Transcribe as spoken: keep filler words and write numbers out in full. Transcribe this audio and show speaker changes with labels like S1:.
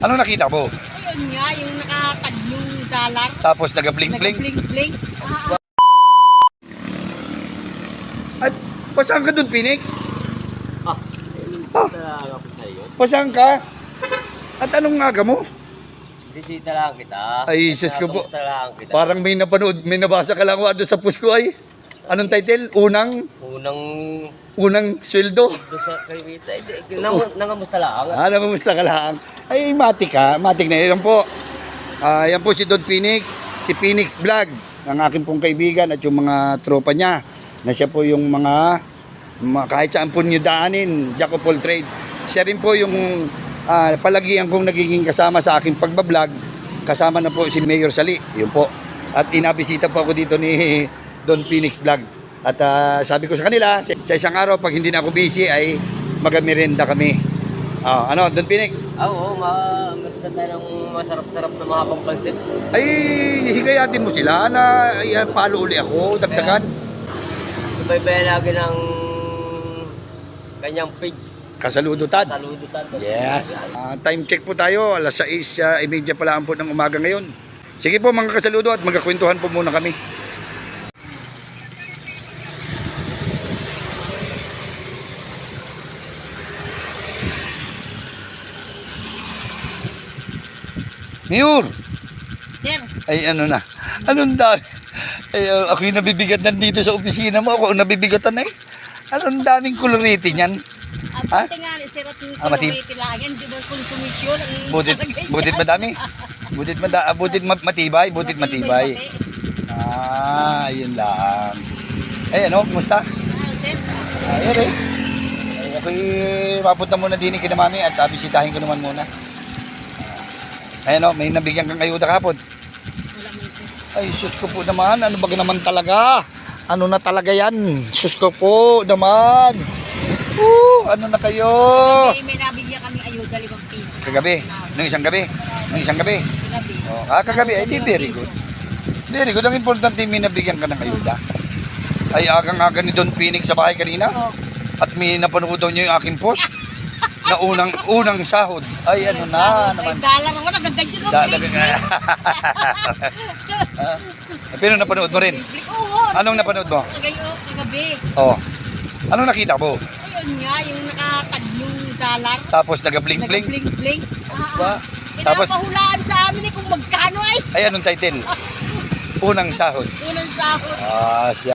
S1: Ano nakita mo?
S2: Ayun nga, yung nakakadlong dalang.
S1: Tapos naga-blink-blink.
S2: Nag-blink-blink. Ah,
S1: At pasang ka dun, Pinik?
S3: Ah,
S1: Ah.
S3: talaga ko sa'yo.
S1: Pasang ka? At anong nga mo?
S3: Bisita lang kita.
S1: Ay, sis ko po.
S3: Kamusta lang kita.
S1: Parang may napanood, may nabasa ka lang doon sa post ko ay. Anong title? Unang,
S3: Unang
S1: unang sweldo.
S3: doon sa Kaywita. Eh, nang, nangamusta lang.
S1: Ah, namusta ka lang? Ay, matik ka. Matik na yan po. Ah, yan po si Don Pinik, si Phoenix Vlog, ang aking pong kaibigan at yung mga tropa niya. Na siya po yung mga, mga kahit saan po nyo daanin, jack of all trade. Siya rin po yung ah, palagian kong nagiging kasama sa aking pagbablog. Kasama na po si Mayor Sali, yun po. At inabisita po ako dito ni Don Phoenix Vlog. At ah, sabi ko sa kanila, sa sa isang araw pag hindi na ako busy ay magamerenda kami. Ah, ano, Don Phoenix?
S3: Ah, oo, ma meron tayo ng masarap-sarap na mga pangpansit.
S1: Ay, higayatin mo sila na ay, palo uli ako, dagdagan.
S3: Subaybayan lagi ng kanyang page.
S1: Kasaludo tad.
S3: Saludo tayo.
S1: Yes. Ah, time check po tayo, alas sais uh, imedya pala po ng umaga ngayon. Sige po mga kasaludo at magkakwentuhan po muna kami. Mayor!
S2: sir,
S1: Ay ano na, anong dami? Ay, uh, ako yung nabibigat nandito sa opisina mo, ako ang nabibigatan na eh. Anong daming koloriti niyan?
S2: ang buti nga, sir, at yung
S1: Ah, matib-
S2: kilometer lang yan, di ba konsumisyon? ang
S1: Butit,
S2: nakalagay
S1: butit
S2: dyan.
S1: madami. Butit, mada, ah, butit ma- matibay, butit matibay.
S2: pati.
S1: Ah, yun lang. Ay ano, kumusta?
S2: Ah, sir,
S1: Ayan eh. Ay, ako'y mapunta muna din kina mami at uh, bisitahin ko naman muna. Ayan o, may nabigyan kang ayuda kapon.
S2: wala mo sir.
S1: Ay, sus ko po naman. Ano ba naman talaga? Ano na talaga yan? Sus ko po naman. Woo, ano na kayo?
S2: Kagabi, may nabigyan kami ayuda, limang piso.
S1: Kagabi? Nung isang gabi? Nung isang gabi?
S2: Kagabi.
S1: Oh, ah, kagabi. Ay, di,
S2: Limang
S1: very
S2: piso.
S1: good. Very good. Ang importante, may nabigyan ka ng ayuda. Ay, agang-aga ni Don Phoenix sa bahay kanina.
S2: Oh,
S1: At may napanood daw niyo yung aking post. Na unang, unang sahod. Ay, ano na naman.
S2: Ay, dollar ako, nagaganyan ako.
S1: Da, da, Ah, pero napanood mo rin.
S2: Oo.
S1: Anong napanood mo?
S2: Kagayo, kagabi.
S1: Oh. Anong nakita mo?
S2: Ayun nga, yung nakakadlong dalang.
S1: Tapos naga-blink-blink.
S2: Nag-blink-blink.
S1: Ba?
S2: Ah,
S1: Tapos-
S2: Pinapahulaan sa amin eh kung magkano ay.
S1: Ay, anong title? Unang sahod.
S2: Unang sahod.
S1: Ah, siya.